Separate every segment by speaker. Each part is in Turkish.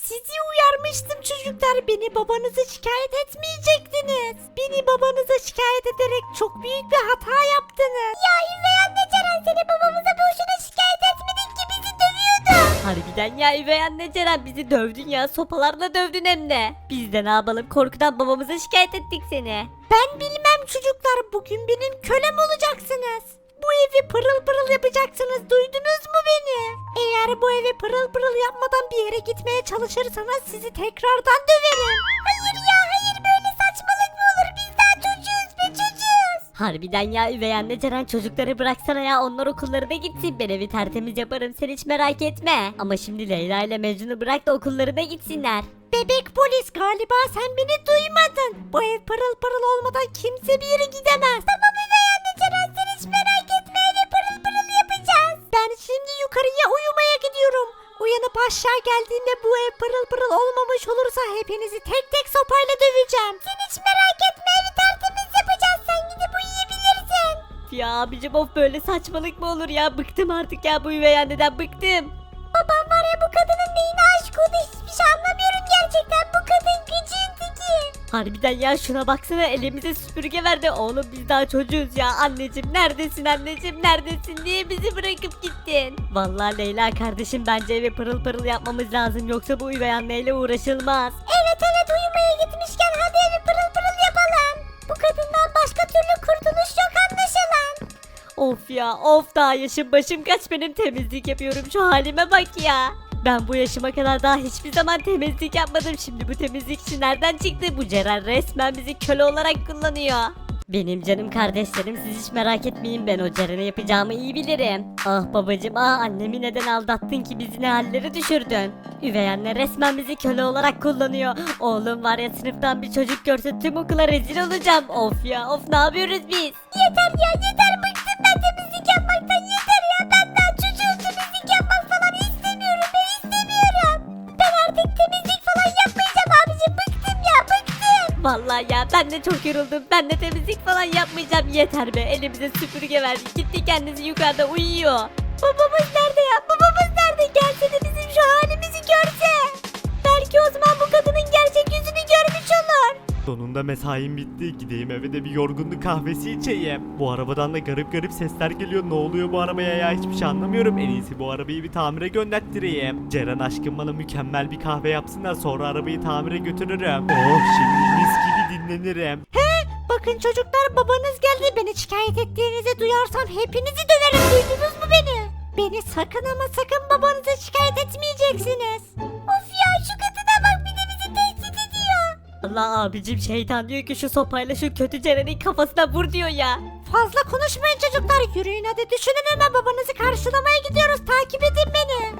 Speaker 1: Sizi uyarmıştım çocuklar. Beni babanıza şikayet etmeyecektiniz. Beni babanıza şikayet ederek çok büyük bir hata yaptınız. Ya üvey anne Ceren, seni babamıza boşuna şikayet etmedik ki, bizi dövüyordu.
Speaker 2: Harbiden ya üvey anne Ceren, bizi dövdün ya, sopalarla dövdün hem de. Biz de ne yapalım, korkudan babamıza şikayet ettik seni.
Speaker 1: Ben bilmem çocuklar, bugün benim kölem olacaksınız. Bu evi pırıl pırıl yapacaksınız, duydunuz mu beni? Eğer bu evi pırıl pırıl yapmadan bir yere gitmeye çalışırsanız sizi tekrardan döverim. Hayır ya hayır, böyle saçmalık mı olur, biz daha çocuğuz be çocuğuz.
Speaker 2: Harbiden ya üvey anne Ceren, çocukları bıraksana ya, onlar okullarına gitsin, ben evi tertemiz yaparım, sen hiç merak etme. Ama şimdi Leyla ile Mecnun'u bırak da okullarına gitsinler.
Speaker 1: Bebek polis, galiba sen beni duymadın. Bu ev pırıl pırıl olmadan kimse bir yere gidemez. Tamam üvey anne Ceren, sen hiç merak etme, evi pırıl pırıl yapacağız. Ben şimdi yukarıya uyumaya gidiyorum. Uyanıp aşağı geldiğimde bu ev pırıl pırıl olmamış olursa hepinizi tek tek sopayla döveceğim. Sen hiç merak etme, evi tertemiz yapacağız, sen gidip uyuyabilirsin.
Speaker 2: Ya abicim of, böyle saçmalık mı olur ya, bıktım artık ya bu üvey anneden, bıktım.
Speaker 1: Babam var ya, bu kadının neyine aşık oldu, hiçbir şey anlamıyorum gerçekten, bu kadın gıcığın teki.
Speaker 2: Harbiden ya, şuna baksana, elimize süpürge verdi. Oğlum biz daha çocuğuz ya. Anneciğim neredesin, anneciğim neredesin, niye bizi bırakıp gittin? Vallahi Leyla kardeşim, bence evi pırıl pırıl yapmamız lazım, yoksa bu üvey anneyle uğraşılmaz.
Speaker 1: Evet uyumaya gitmişken hadi evi pırıl pırıl yapalım. Bu kadından başka türlü kurtuluş yok anlaşılan.
Speaker 2: Of ya of, daha yaşım başım kaç benim, temizlik yapıyorum, şu halime bak ya. Ben bu yaşıma kadar daha hiçbir zaman temizlik yapmadım. Şimdi bu temizlikçi nereden çıktı? Bu Ceren resmen bizi köle olarak kullanıyor. Benim canım kardeşlerim, siz hiç merak etmeyin, ben o Ceren'e yapacağımı iyi bilirim. Ah babacım ah, annemi neden aldattın ki, bizi ne hallere düşürdün? Üvey anne resmen bizi köle olarak kullanıyor. Oğlum var ya, sınıftan bir çocuk görse tüm okula rezil olacağım. Of ya of, ne yapıyoruz biz?
Speaker 1: Yeter ya yeter, bıktım ben temizlik yapmaktan, yeter ya. Ben daha çocuğum, temizlik yapmak falan istemiyorum, ben istemiyorum. Ben artık temizlik falan yapmayacağım abicim, bıktım ya bıktım.
Speaker 2: Vallahi ya ben de çok yoruldum. Ben de temizlik falan yapmayacağım. Yeter be. Elimize süpürge verdik. Gitti kendisi yukarıda uyuyor.
Speaker 1: Babamız nerede ya? Babamız nerede? Gelse de bizim şu halimizi görse. Belki o zaman bu kadının gerçek yüzünü görmüş olur.
Speaker 3: Sonunda mesaim bitti. Gideyim eve de bir yorgunluk kahvesi içeyim. Bu arabadan da garip garip sesler geliyor. Ne oluyor bu arabaya ya? Hiçbir şey anlamıyorum. En iyisi bu arabayı bir tamire gönderttireyim. Ceren aşkım bana mükemmel bir kahve yapsın da sonra arabayı tamire götürürüm. Oh, şimdi mis gibi dinlenirim.
Speaker 1: Bakın çocuklar, babanız geldi. Beni şikayet ettiğinizi duyarsam hepinizi döverim. Duydunuz mu beni? Beni sakın ama sakın babanıza şikayet etmeyeceksiniz. Of ya, şu kadına bak, bir de bizi tehdit ediyor.
Speaker 2: Allah abicim, şeytan diyor ki şu sopayla şu kötü Ceren'in kafasına vur diyor ya.
Speaker 1: Fazla konuşmayın çocuklar, yürüyün hadi, düşünün, hemen babanızı karşılamaya gidiyoruz, takip edin beni.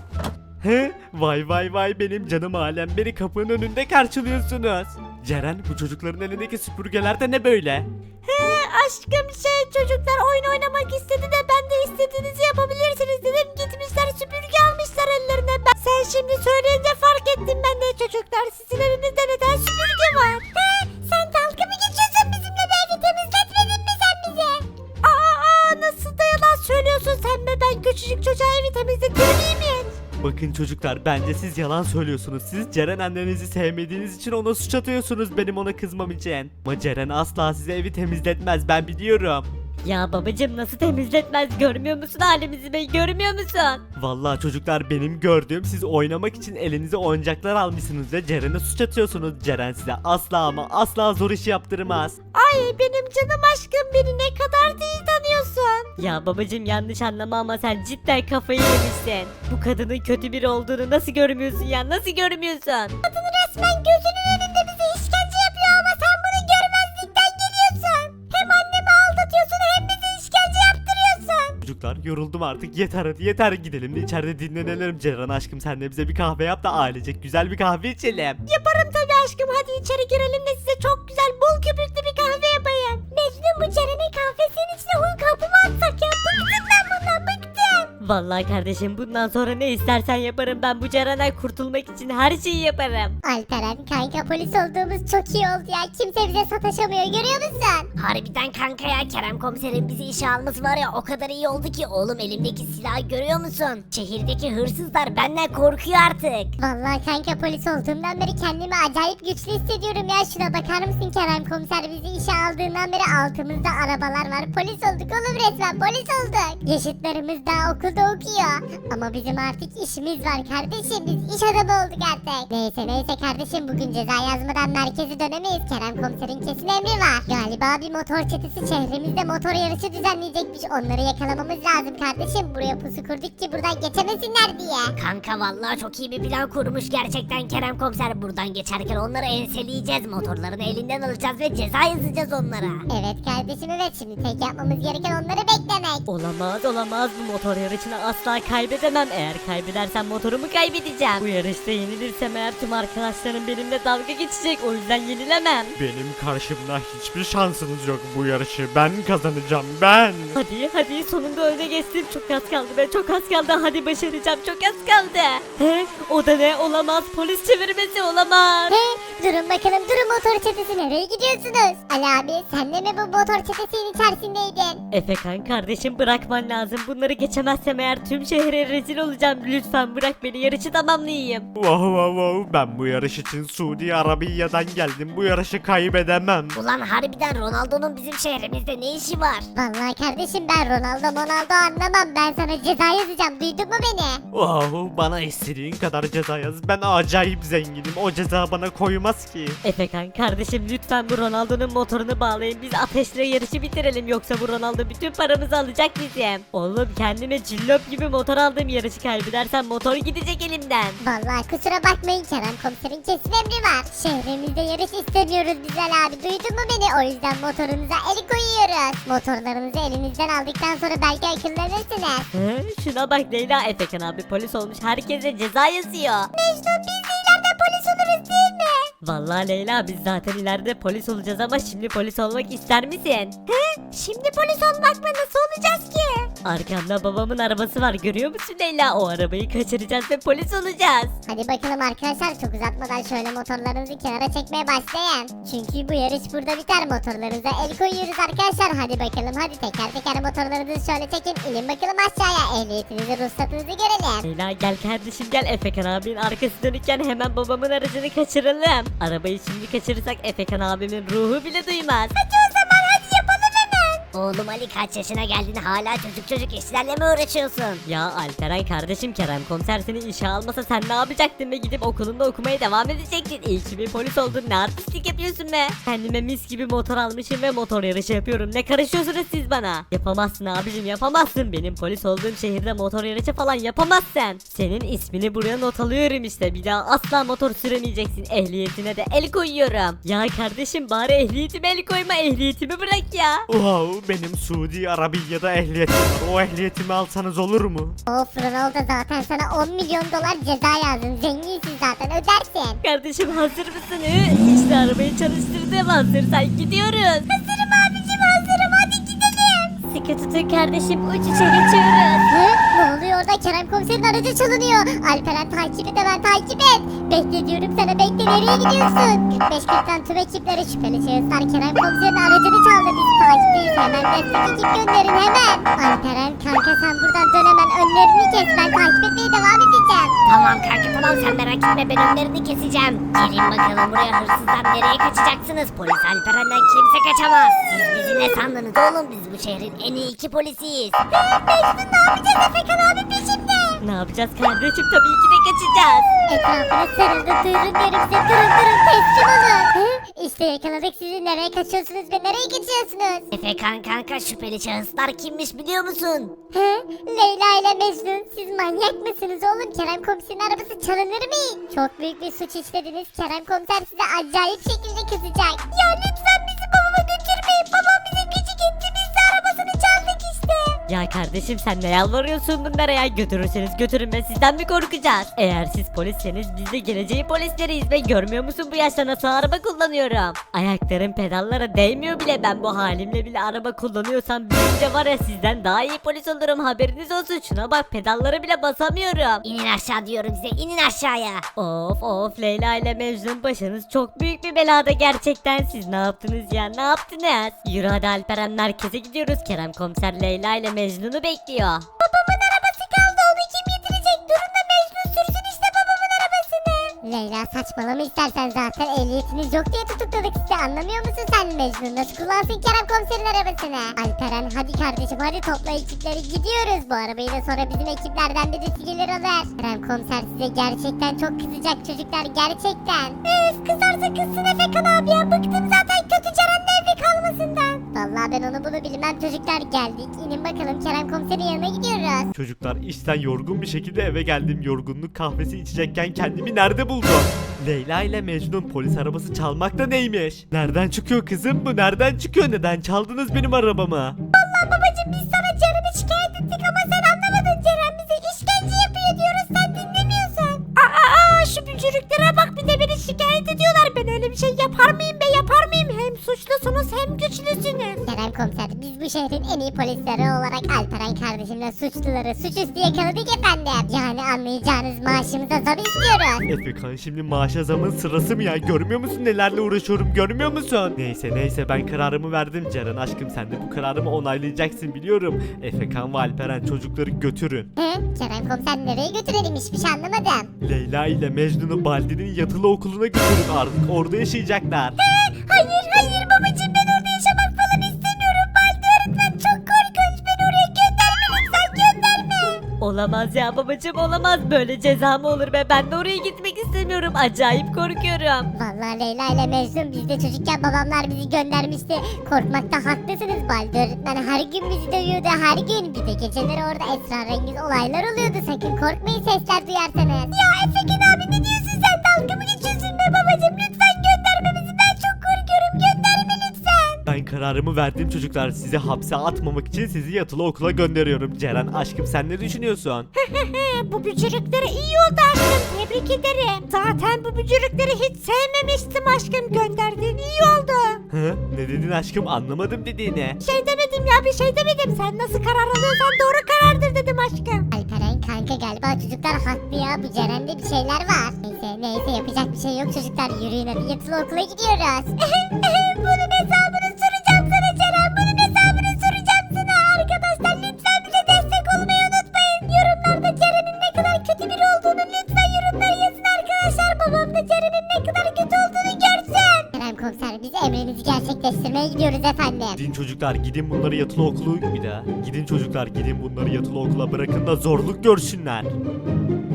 Speaker 3: He? Vay vay vay, benim canım alem, beni kapının önünde karşılıyorsunuz. Ceren, bu çocukların elindeki süpürgeler de ne böyle?
Speaker 1: Aşkım çocuklar oyun oynamak istedi de ben de istediğinizi yapabilirsiniz dedim, gitmişler süpürge almışlar ellerine. Sen şimdi söyleyince fark ettim ben de çocuklar, sizin elinizde neden süpürge var? Sen dalga mı geçiyorsun bizimle, be evi temizletmedin mi sen bize? Nasıl da yalan söylüyorsun sen be, ben küçücük çocuğa evi temizletiyor değil mi?
Speaker 3: Bakın çocuklar, bence siz yalan söylüyorsunuz. Siz Ceren annenizi sevmediğiniz için ona suç atıyorsunuz benim ona kızmam için. Ama Ceren asla size evi temizletmez, ben biliyorum.
Speaker 2: Ya babacım, nasıl temizletmez, görmüyor musun halimizi be, görmüyor musun?
Speaker 3: Vallahi çocuklar, benim gördüğüm, siz oynamak için elinize oyuncaklar almışsınız ve Ceren'e suç atıyorsunuz. Ceren size asla ama asla zor iş yaptırmaz.
Speaker 1: Ay benim canım aşkım, beni ne kadar da iyi tanıyorsun.
Speaker 2: Ya babacım, yanlış anlama ama sen cidden kafayı yemişsin. Bu kadının kötü biri olduğunu nasıl görmüyorsun ya, nasıl görmüyorsun?
Speaker 1: Kadın resmen gözünün önünde bize işkence yapıyor ama sen bunu görmezlikten geliyorsun. Hem annemi aldatıyorsun hem bize işkence yaptırıyorsun.
Speaker 3: Çocuklar, yoruldum artık, yeter hadi yeter, gidelim de içeride dinlenelim. Ceren aşkım, sen de bize bir kahve yap da ailecek güzel bir kahve içelim.
Speaker 1: Yaparım tabii aşkım, hadi içeri girelim de size çok güzel bol köpüklü bir kahve yapayım. Mecnun, bu Ceren'in kahvesinin içine un kapı mı atsak ya? Bıktım ben bundan, bıktım.
Speaker 2: Vallahi kardeşim bundan sonra ne istersen yaparım. Ben bu Ceren'den kurtulmak için her şeyi yaparım.
Speaker 1: Alperen kanka polis olduğumuz çok iyi oldu ya. Kimse bize sataşamıyor görüyor musun?
Speaker 4: Harbiden kanka ya, Kerem komiserin bizi işe alması var ya, o kadar iyi oldu ki. Oğlum elimdeki silahı görüyor musun? Şehirdeki hırsızlar benden korkuyor artık.
Speaker 1: Vallahi kanka polis olduğumdan beri kendimi acayip güçlü hissediyorum ya. Şuna bakar mısın Kerem komiser bizi işe aldığından beri altımızda arabalar var. Polis olduk oğlum, resmen polis olduk. Yaşıtlarımız daha okulda okuyor. Ama bizim artık işimiz var kardeşim. Biz iş adamı olduk artık. Neyse kardeşim, bugün ceza yazmadan merkeze dönemeyiz. Kerem komiserin kesin emri var. Galiba bir motor çetesi şehrimizde motor yarışı düzenleyecekmiş. Onları yakalamamız lazım kardeşim. Buraya pusu kurduk ki buradan geçemesinler diye.
Speaker 4: Kanka vallahi çok iyi bir plan kurmuş gerçekten Kerem komiser. Buradan geçerken onları enseleyeceğiz. Motorlarını elinden alacağız ve ceza yazacağız onlara.
Speaker 1: Evet kardeşim evet, şimdi tek yapmamız gereken onları beklemek.
Speaker 2: Olamaz bu motor yarışını asla kaybedemem. Eğer kaybedersem motorumu kaybedeceğim. Bu yarışta yenilirsem eğer tüm arkadaşlarım benimle dalga geçecek, o yüzden yenilemem.
Speaker 3: Benim karşımda hiçbir şansınız yok, bu yarışı ben kazanacağım, ben.
Speaker 2: Hadi sonunda öne geçtim. Çok az kaldı be, çok az kaldı. Hadi başaracağım, çok az kaldı. He, o da ne? Olamaz, polis çevirmesi olamaz.
Speaker 1: Durun bakalım, durun, motor çetesi nereye gidiyorsunuz? Ali abi sen de mi bu motor çetesinin içerisindeydin?
Speaker 2: Efekan kardeşim bırakman lazım. Bunları geçemezsem eğer tüm şehre rezil olacağım. Lütfen bırak beni, yarışı tamamlayayım.
Speaker 3: Wow, ben bu yarış için Suudi Arabiya'dan geldim, bu yarışı kaybedemem.
Speaker 4: Ulan harbiden Ronaldo'nun bizim şehrimizde ne işi var?
Speaker 1: Vallahi kardeşim ben Ronaldo anlamam. Ben sana ceza yazacağım, duydun mu beni?
Speaker 3: Wow, bana istediğin kadar ceza yaz, ben acayip zenginim, o ceza bana koymaz ki.
Speaker 2: Efekan kardeşim lütfen bu Ronaldo'nun motorunu bağlayın. Biz ateşle yarışı bitirelim, yoksa bu Ronaldo bütün paramızı alacak bizim. Oğlum kendime cillop gibi motor aldım, yarışı kaybedersem motor gidecek elimden.
Speaker 1: Vallahi kusura bakmayın, Kerem komiserin kesin emri var. Şehrimizde yarış istemiyoruz biz Ali abi, duydun mu beni? O yüzden motorunuza el koyuyoruz. Motorlarınızı elinizden aldıktan sonra belki akıllanırsınız.
Speaker 2: Şuna bak Leyla, Efekan abi polis olmuş, herkese ceza yazıyor.
Speaker 1: Mecnun biz de ileride polis oluruz değil mi?
Speaker 2: Vallahi Leyla biz zaten ileride polis olacağız ama şimdi polis olmak ister misin?
Speaker 1: Şimdi polis olmak mı, nasıl olacağız ki?
Speaker 2: Arkamda babamın arabası var, görüyor musun Leyla? O arabayı kaçıracağız ve polis olacağız.
Speaker 1: Hadi bakalım arkadaşlar, çok uzatmadan şöyle motorlarınızı kenara çekmeye başlayın. Çünkü bu yarış burada biter, motorlarınıza el koyuyoruz arkadaşlar. Hadi bakalım, hadi teker teker motorlarınızı şöyle çekin. İnin bakalım aşağıya, ehliyetinizi, ruhsatınızı görelim.
Speaker 2: Leyla gel kardeşim gel, Efekan abinin arkası dönükken hemen babamın aracını kaçıralım. Arabayı şimdi kaçırırsak Efekan abimin ruhu bile duymaz.
Speaker 4: Oğlum Ali, kaç yaşına geldin hala çocuk işlerle mi uğraşıyorsun?
Speaker 2: Ya Alperen kardeşim, Kerem komiser seni işe almasa sen ne yapacaktın be? Gidip okulunda okumaya devam edecektin. İyi ki bir polis oldun, ne artistlik yapıyorsun be? Kendime mis gibi motor almışım ve motor yarışı yapıyorum. Ne karışıyorsunuz siz bana? Yapamazsın abicim, yapamazsın. Benim polis olduğum şehirde motor yarışı falan yapamazsın. Senin ismini buraya not alıyorum işte. Bir daha asla motor süremeyeceksin. Ehliyetine de el koyuyorum. Ya kardeşim bari ehliyetime el koyma, ehliyetimi bırak ya.
Speaker 3: Wow, benim Suudi Arabiya'da ehliyetim var, o ehliyetimi alsanız olur mu?
Speaker 1: Of, Ronaldo zaten sana 10 milyon dolar ceza yazdım. Zenginsin zaten, ödersin.
Speaker 2: Kardeşim hazır mısın? İşte arabayı çalıştırdım, hazırsan gidiyoruz.
Speaker 1: Hazırım abicim, hazırım, hadi gidelim.
Speaker 2: Sıkı tutun kardeşim, uç içe geçiyoruz.
Speaker 1: Ne oluyor orada? Kerem komiserin aracı çalınıyor. Alperen takip et, hemen takip et. Bekle diyorum sana, bekle, nereye gidiyorsun? 45-40'tan tüm ekiplere şüpheli şahıslar Kerem komiserin aracını çaldı. Biz takipteyiz, hemen destek ekip gönderin hemen. Alperen kanka sen buradan dön, hemen önlerini kes, ben takip etmeye devam edeceğim.
Speaker 4: Tamam kanka tamam, sen merak etme, ben önlerini keseceğim. Gelin bakalım buraya, hırsızlar nereye kaçacaksınız? Polis Alperen'den kimse kaçamaz. Siz bizi ne sandınız oğlum, biz bu şehrin en iyi iki polisiyiz.
Speaker 1: Mecnun ne yapacağız, Efekan abi peşimde.
Speaker 2: Ne yapacağız kardeşim? Tabii ki de kaçacağız.
Speaker 1: Etrafına sarıldı, duyurun diyorum size, durun teslim olun. İşte yakaladık sizi, nereye kaçıyorsunuz ve nereye geçiyorsunuz?
Speaker 4: Efekan kanka, şüpheli şahıslar kimmiş biliyor musun?
Speaker 1: Leyla ile Mecnun, siz manyak mısınız oğlum? Kerem komiserin arabası çalınır mı? Çok büyük bir suç işlediniz, Kerem komiser size acayip şekilde kızacak. Ya lütfen bizi babama götürmeyin, babam bize küçük etti, biz de arabasını çaldık işte.
Speaker 2: Ya kardeşim sen ne yalvarıyorsun bunlara ya? Götürürseniz götürün be, sizden mi korkacağız? Eğer siz polisseniz biz de geleceğin polisleriyiz ve görmüyor musun bu yaşta nasıl araba kullanıyorum? Ayaklarım pedallara değmiyor bile, ben bu halimle bile araba kullanıyorsam büyünce var ya sizden daha iyi polis olurum, haberiniz olsun. Şuna bak, pedallara bile basamıyorum.
Speaker 4: İnin aşağı diyorum size, inin aşağıya.
Speaker 2: Of of, Leyla ile Mecnun başınız çok büyük bir belada gerçekten. Siz ne yaptınız ya, ne yaptınız? Yürü hadi Alperen, merkeze gidiyoruz. Kerem komiser Leyla ile Mecnun'u bekliyor.
Speaker 1: Babamın arabası kaldı, onu kim getirecek? Durun da Mecnun sürsün işte babamın arabasını.
Speaker 5: Leyla saçmalama istersen, zaten ehliyetiniz yok diye tutukladık sizi, anlamıyor musun sen? Mecnun nasıl kullansın Kerem komiserin arabasını? Alperen hadi kardeşim, hadi topla ekipleri, gidiyoruz. Bu arabayı da sonra bizim ekiplerden birisi gelir alır. Kerem komiser size gerçekten çok kızacak çocuklar, gerçekten.
Speaker 1: Kızarsa kızsın Efekan abi ya, bıktım zaten kötü Ceren'le evde kalmasından.
Speaker 5: Vallahi ben onu bunu bilmem çocuklar, geldik. İnin bakalım, Kerem komiserin yanına gidiyoruz.
Speaker 3: Çocuklar işten yorgun bir şekilde eve geldim. Yorgunluk kahvesi içecekken kendimi nerede buldum? Leyla ile Mecnun polis arabası çalmak da neymiş? Nereden çıkıyor kızım bu? Nereden çıkıyor? Neden çaldınız benim arabamı?
Speaker 1: Babacım biz sana Ceren'i şikayet ettik ama sen anlamadın. Ceren bize işkence yapıyor diyoruz, sen dinlemiyorsun. Şu bücürüklere bak, bir de beni şikayet ediyorlar. Ben öyle bir şey yapar mıyım be, yapar mıyım? Hem suçlusunuz hem güçlüsünüz.
Speaker 5: Kerem komiser, biz bu şehrin en iyi polisleri olarak Alperen kardeşimle suçluları suçüstü yakaladık efendim. Yani anlayacağınız, maaşımıza zam istiyoruz.
Speaker 3: Efekan, şimdi maaşa zamın sırası mı ya? Görmüyor musun nelerle uğraşıyorum, görmüyor musun? Neyse ben kararımı verdim. Ceren aşkım, sen de bu kararımı onaylayacaksın biliyorum. Efekan ve Alperen çocukları götürün.
Speaker 5: He? Kerem komiser nereye götürelim, hiçbir şey anlamadım.
Speaker 3: Leyla ile Mecnun'u Baldi'nin yatılı okuluna götürün, artık orada yaşayacaklar.
Speaker 1: Hayır babacım, ben orada yaşamak falan istemiyorum. Baldi öğretmen çok korkunç, beni oraya gönderme lütfen, gönderme.
Speaker 2: Olamaz ya babacım, olamaz, böyle ceza mı olur be? Ben de oraya gitmek istemiyorum, acayip korkuyorum.
Speaker 5: Vallahi Leyla ile Mecnun, biz de çocukken babamlar bizi göndermişti. Korkmakta haklısınız, Baldi öğretmen her gün bizi dövüyordu, her gün. Bir de geceleri orada esrarengiz olaylar oluyordu, sakın korkmayın sesler duyarsanız.
Speaker 1: Ya Efekan abi, ne diyorsun sen? Dalga mı geçiyorsun be babacım? Lütfen gönderme bizi, ben çok korkuyorum, gönderme lütfen.
Speaker 3: Ben kararımı verdim çocuklar. Sizi hapse atmamak için sizi yatılı okula gönderiyorum. Ceren aşkım, sen ne düşünüyorsun?
Speaker 1: Bu bücürükleri iyi oldu aşkım, tebrik ederim. Zaten bu bücürükleri hiç sevmemiştim aşkım, gönderdiğin iyi oldu.
Speaker 3: Hı? Ne dedin aşkım, anlamadım dediğini.
Speaker 1: Şey demedim ya, bir şey demedim. Sen nasıl karar alıyorsan doğru karardır dedim aşkım.
Speaker 5: Alperen kanka, galiba çocuklar haklı ya, bu Ceren'de bir şeyler var. Neyse yapacak bir şey yok çocuklar, yürüyün hadi yatılı okula gidiyoruz.
Speaker 1: Bunun hesabını soracağım sana Ceren, bunun hesabını soracağım sana. Arkadaşlar lütfen bize destek olmayı unutmayın. Yorumlarda Ceren'in ne kadar kötü biri olduğunu lütfen yorumlara yazın arkadaşlar. Babam da Ceren'in ne kadar kötü olduğunu görsün.
Speaker 5: Kerem komiser, biz emrinizi gerçekleştirmeye gidiyoruz efendim.
Speaker 3: Gidin çocuklar, gidin bunları yatılı okulu bir daha. Gidin çocuklar, gidin bunları yatılı okula bırakın da zorluk görsünler.